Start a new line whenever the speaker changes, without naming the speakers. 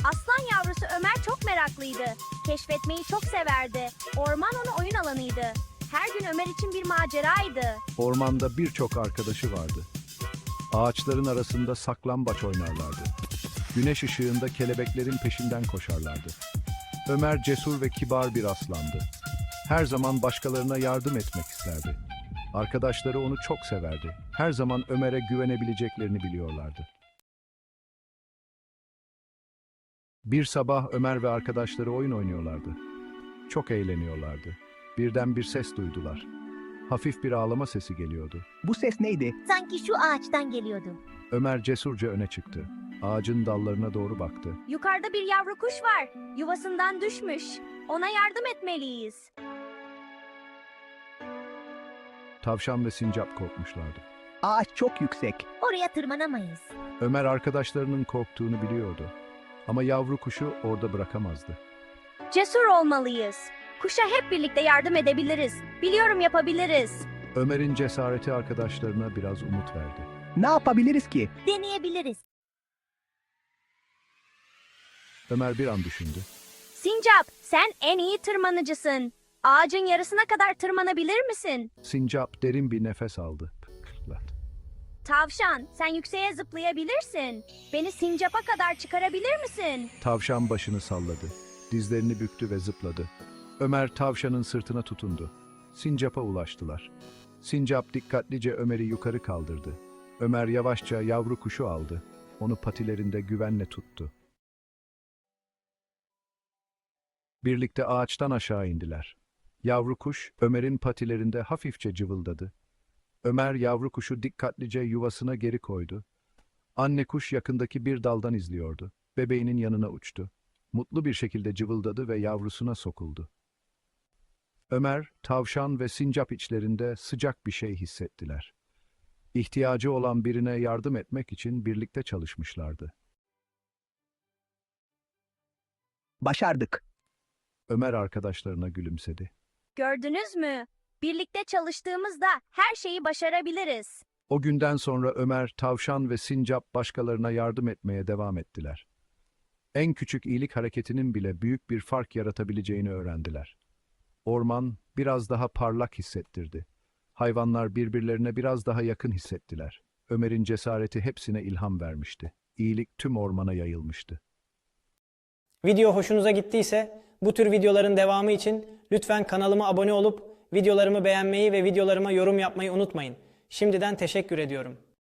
Aslan yavrusu Ömer çok meraklıydı. Keşfetmeyi çok severdi. Orman onun oyun alanıydı. Her gün Ömer için bir maceraydı.
Ormanda birçok arkadaşı vardı. Ağaçların arasında saklambaç oynarlardı. Güneş ışığında kelebeklerin peşinden koşarlardı. Ömer cesur ve kibar bir aslandı. Her zaman başkalarına yardım etmek isterdi. Arkadaşları onu çok severdi. Her zaman Ömer'e güvenebileceklerini biliyorlardı. Bir sabah Ömer ve arkadaşları oyun oynuyorlardı. Çok eğleniyorlardı. Birden bir ses duydular. Hafif bir ağlama sesi geliyordu.
Bu ses neydi?
Sanki şu ağaçtan geliyordu.
Ömer cesurca öne çıktı. Ağacın dallarına doğru baktı.
Yukarıda bir yavru kuş var. Yuvasından düşmüş. Ona yardım etmeliyiz.
Tavşan ve sincap korkmuşlardı.
Ağaç çok yüksek.
Oraya tırmanamayız.
Ömer arkadaşlarının korktuğunu biliyordu. Ama yavru kuşu orada bırakamazdı.
Cesur olmalıyız. Kuşa hep birlikte yardım edebiliriz. Biliyorum yapabiliriz.
Ömer'in cesareti arkadaşlarına biraz umut verdi.
Ne yapabiliriz ki?
Deneyebiliriz.
Ömer bir an düşündü.
Sincap, sen en iyi tırmanıcısın. Ağacın yarısına kadar tırmanabilir misin?
Sincap derin bir nefes aldı.
Tavşan, sen yükseğe zıplayabilirsin. Beni sincapa kadar çıkarabilir misin?
Tavşan başını salladı. Dizlerini büktü ve zıpladı. Ömer tavşanın sırtına tutundu. Sincap'a ulaştılar. Sincap dikkatlice Ömer'i yukarı kaldırdı. Ömer yavaşça yavru kuşu aldı. Onu patilerinde güvenle tuttu. Birlikte ağaçtan aşağı indiler. Yavru kuş Ömer'in patilerinde hafifçe cıvıldadı. Ömer yavru kuşu dikkatlice yuvasına geri koydu. Anne kuş yakındaki bir daldan izliyordu. Bebeğinin yanına uçtu. Mutlu bir şekilde cıvıldadı ve yavrusuna sokuldu. Ömer, tavşan ve sincap içlerinde sıcak bir şey hissettiler. İhtiyacı olan birine yardım etmek için birlikte çalışmışlardı.
Başardık.
Ömer arkadaşlarına gülümsedi.
Gördünüz mü? Birlikte çalıştığımızda her şeyi başarabiliriz.
O günden sonra Ömer, tavşan ve sincap başkalarına yardım etmeye devam ettiler. En küçük iyilik hareketinin bile büyük bir fark yaratabileceğini öğrendiler. Orman biraz daha parlak hissettirdi. Hayvanlar birbirlerine biraz daha yakın hissettiler. Ömer'in cesareti hepsine ilham vermişti. İyilik tüm ormana yayılmıştı.
Video hoşunuza gittiyse bu tür videoların devamı için lütfen kanalıma abone olup videolarımı beğenmeyi ve videolarıma yorum yapmayı unutmayın. Şimdiden teşekkür ediyorum.